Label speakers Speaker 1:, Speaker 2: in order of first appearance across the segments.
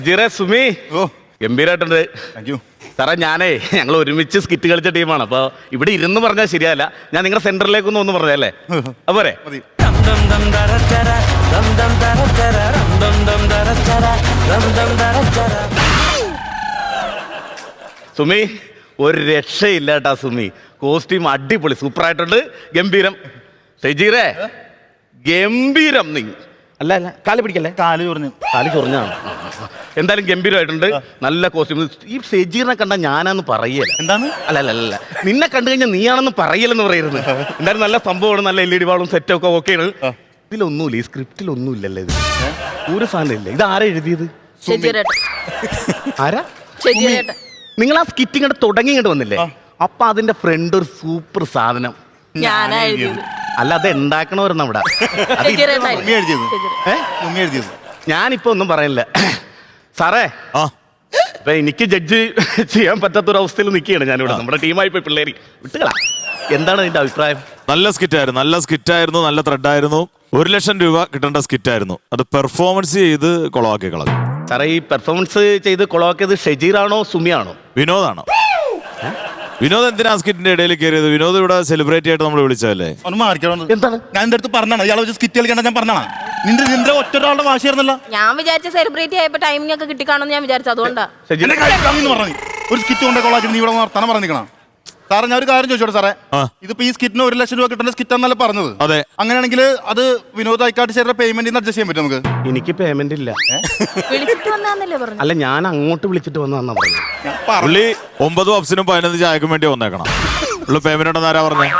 Speaker 1: ജിറേ സുമി
Speaker 2: ഓ
Speaker 1: ഗംഭീരായിട്ടുണ്ട്.
Speaker 2: താങ്ക് യു
Speaker 1: സാറേ ഞാനേ ഞങ്ങൾ ഒരുമിച്ച് സ്കിറ്റ് കളിച്ച ടീമാണ്. അപ്പോൾ ഇവിടെ ഇരുന്ന് പറഞ്ഞാൽ ശരിയല്ല, ഞാൻ നിങ്ങളുടെ സെന്ററിലേക്കൊന്നും ഒന്ന് പറഞ്ഞല്ലേ അപ്പോരെ?
Speaker 2: മതി.
Speaker 1: സുമി ഒരു രക്ഷയില്ല കേട്ടാ സുമി. കോസ്റ്റ്യൂം അടിപൊളി, സൂപ്പറായിട്ടുണ്ട്, ഗംഭീരം. ഷെജീറേ ഗംഭീരം. നീ അല്ല അല്ല കാല് പിടിക്കല്ലേ,
Speaker 2: കാല് ചൊറിഞ്ഞു.
Speaker 1: കാല് ചൊറിഞ്ഞാണ്. എന്തായാലും ഗംഭീരമായിട്ടുണ്ട്, നല്ല കോസ്റ്റ്യൂം. ഈ ഷെജീറിനെ കണ്ടാൽ ഞാനാന്ന് പറയല.
Speaker 2: എന്താണ്?
Speaker 1: അല്ല അല്ല അല്ല നിന്നെ കണ്ടു കഴിഞ്ഞാൽ നീയാണെന്ന് പറയലെന്ന് പറയുന്നത്. എന്തായാലും നല്ല സംഭവമാണ്, നല്ല LED വാളും സെറ്റൊക്കെ ഓക്കെയാണ്. ഇതിലൊന്നുമില്ല, ഈ സ്ക്രിപ്റ്റിലൊന്നും ഇല്ലല്ലേ ഇത്, ഒരു സാധനം ഇല്ല. ഇത് ആരാ എഴുതിയത്? ആരാ? നിങ്ങൾ ആ സ്കിറ്റിങ് തുടങ്ങി ഇങ്ങോട്ട് വന്നില്ലേ, അപ്പൊ അതിന്റെ ഫ്രണ്ട് ഒരു സൂപ്പർ സാധനം അല്ല, അത് ഉണ്ടാക്കണവരുന്ന അവിടെ. ഞാനിപ്പോ ഒന്നും പറയില്ല സാറേ. ഇപ്പൊ എനിക്ക് ജഡ്ജ് ചെയ്യാൻ പറ്റാത്തൊരവസ്ഥയിൽ നിൽക്കുകയാണ് ഞാനിവിടെ. നമ്മുടെ ടീമായി പോയി പിള്ളേര് വിട്ടുകളാ. എന്താണ് അതിന്റെ അഭിപ്രായം?
Speaker 3: നല്ല സ്കിറ്റായിരുന്നു, നല്ല ത്രെഡായിരുന്നു. 1 ലക്ഷം രൂപ കിട്ടേണ്ട സ്കിറ്റായിരുന്നു. അത് പെർഫോമൻസ് ചെയ്ത് കൊളവാക്കി കളഞ്ഞു.
Speaker 1: സാറേ ഈ പെർഫോമൻസ് ചെയ്ത് കൊളവാക്കിയത് ഷെജീറാണോ സുമിയാണോ?
Speaker 3: വിനോദാണോ? വിനോദ് എന്തിനാ സ്കിറ്റിന്റെ ഇടയിൽ കയറിയത്? വിനോദ് ഇവിടെ സെലിബ്രേറ്റ് ആയിട്ട് നമ്മൾ വിളിച്ചതല്ലേ?
Speaker 2: എന്താണ് ഞാൻ എന്റെ അടുത്ത് പറഞ്ഞാണ് ഇയാളെ വെച്ച് സ്കിറ്റ് കളിക്കണ്ട, ഞാൻ പറഞ്ഞാണ്. നിന്റെ ഒറ്റൊരാളുടെ വാശിയായിരുന്നല്ലോ.
Speaker 4: ഞാൻ വിചാരിച്ച സെലിബ്രേറ്റ് ആയപ്പോ ടൈമിംഗ് ഒക്കെ കിട്ടിക്കാണെന്ന് ഞാൻ വിചാരിച്ചു, അതുകൊണ്ടാ.
Speaker 2: പറഞ്ഞു ഒരു സ്കിറ്റ് കൊണ്ട് കൊള്ളാക്കി നീ ഇവിടെ വർത്താനം പറഞ്ഞിരിക്കണം. സാറേ ഞാൻ ഒരു കാര്യം ചോദിച്ചോട്ടെ സാറേ, ഇതിപ്പോ ഈ സ്കിറ്റിന് 1 ലക്ഷം രൂപ കിട്ടുന്ന സ്കിറ്റ് എന്നല്ല പറഞ്ഞത്?
Speaker 3: അതെ.
Speaker 2: അങ്ങനെയാണെങ്കിൽ അത് വിനോദ് ഐക്കാട്ട് ചേർന്ന പേയ്മെന്റ് അഡ്ജസ്റ്റ് ചെയ്യാൻ പറ്റും നമുക്ക്?
Speaker 1: എനിക്ക് പേയ്മെന്റ് ഇല്ല.
Speaker 4: വിളിച്ചിട്ട് വന്നാന്നല്ലേ പറഞ്ഞു?
Speaker 1: അല്ല ഞാൻ അങ്ങോട്ട് വിളിച്ചിട്ട് വന്നാ പറഞ്ഞു.
Speaker 3: പുള്ളി 9 പപ്സിനും 15 ചായക്കും വേണ്ടി വന്നേക്കണം. പുള്ളി പേയ്മെന്റ് ഉണ്ടെന്ന് ആരാ പറഞ്ഞേ?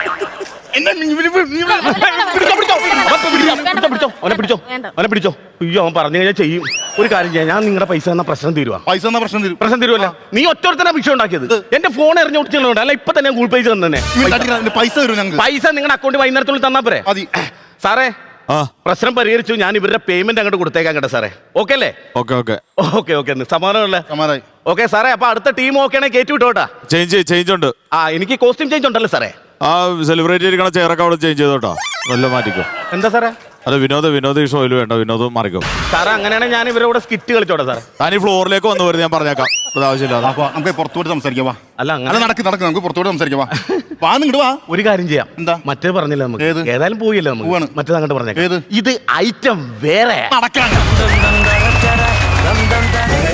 Speaker 1: അവനെ പിടിച്ചോ. അയ്യോ അവൻ പറഞ്ഞു കഴിഞ്ഞാൽ ചെയ്യും. ഒരു കാര്യം ചെയ്യാം, ഞാൻ നിങ്ങളുടെ പൈസ തന്ന പ്രശ്നം തീരുവാ. പ്രശ്നം തീരുവല്ല. നീ ഒറ്റൊരുത്തന്നെ വിഷയം ഉണ്ടാക്കിയത്. എന്റെ ഫോൺ എറിഞ്ഞു കൊടുത്തിട്ടുണ്ട്. അല്ല ഇപ്പൊ തന്നെ ഗൂഗിൾ പേ തന്നെ പൈസ നിങ്ങളുടെ അക്കൗണ്ട് വൈകുന്നേരത്തുള്ളിൽ തന്നാ പോരെ? സാറേ പ്രശ്നം പരിഹരിച്ചു. ഞാൻ ഇവരുടെ പേയ്മെന്റ് അങ്ങോട്ട് കൊടുത്തേക്കാം കേട്ടോ സാറേ. ഓക്കെ അല്ലേ? ഓക്കെ സമാധാനമല്ലേ? ഓക്കെ സാറേ. അപ്പൊ അടുത്ത ടീം ഓക്കെ ആണെങ്കിൽ കയറ്റി വിട്ടോട്ടാ.
Speaker 3: ചേഞ്ച് ഉണ്ട്.
Speaker 1: എനിക്ക് കോസ്റ്റ്യൂം ചേഞ്ച് ഉണ്ടല്ലോ സാറേ.
Speaker 3: ആ സെലിബ്രേറ്റ് ചെയ്തിരിക്കണ ചെയറൊക്കെ അവിടെ ചേഞ്ച് ചെയ്തോട്ടോ. നല്ല മാറ്റിക്കോ.
Speaker 1: എന്താ സാറേ?
Speaker 3: അത് വിനോദ് ഈ ഷോയിൽ വേണ്ട, വിനോദ് മാറിക്കോ.
Speaker 1: സാറേ അങ്ങനെയാണെങ്കിൽ ഞാൻ ഇവരോട് സ്കിറ്റ് കളിച്ചോട്ടെ സാറേ.
Speaker 3: ഞാൻ ഈ ഫ്ലോറിലേക്ക് വന്നു വരുന്നത് ഞാൻ പറഞ്ഞേക്കാം. അത് ആവശ്യമില്ല.
Speaker 2: നമുക്ക് പുറത്തോട്ട് സംസാരിക്കാം.
Speaker 1: അല്ല അങ്ങനെ
Speaker 2: നടക്ക് നമുക്ക് പുറത്തോട്ട് സംസാരിക്കാം.
Speaker 1: ഒരു കാര്യം ചെയ്യാം.
Speaker 2: എന്താ?
Speaker 1: മറ്റേ പറഞ്ഞില്ല നമുക്ക്, ഏതായാലും പോയില്ല നമുക്ക്. മറ്റേത് അങ്ങോട്ട് പറഞ്ഞേക്കാം. ഇത് ഐറ്റം വേറെ.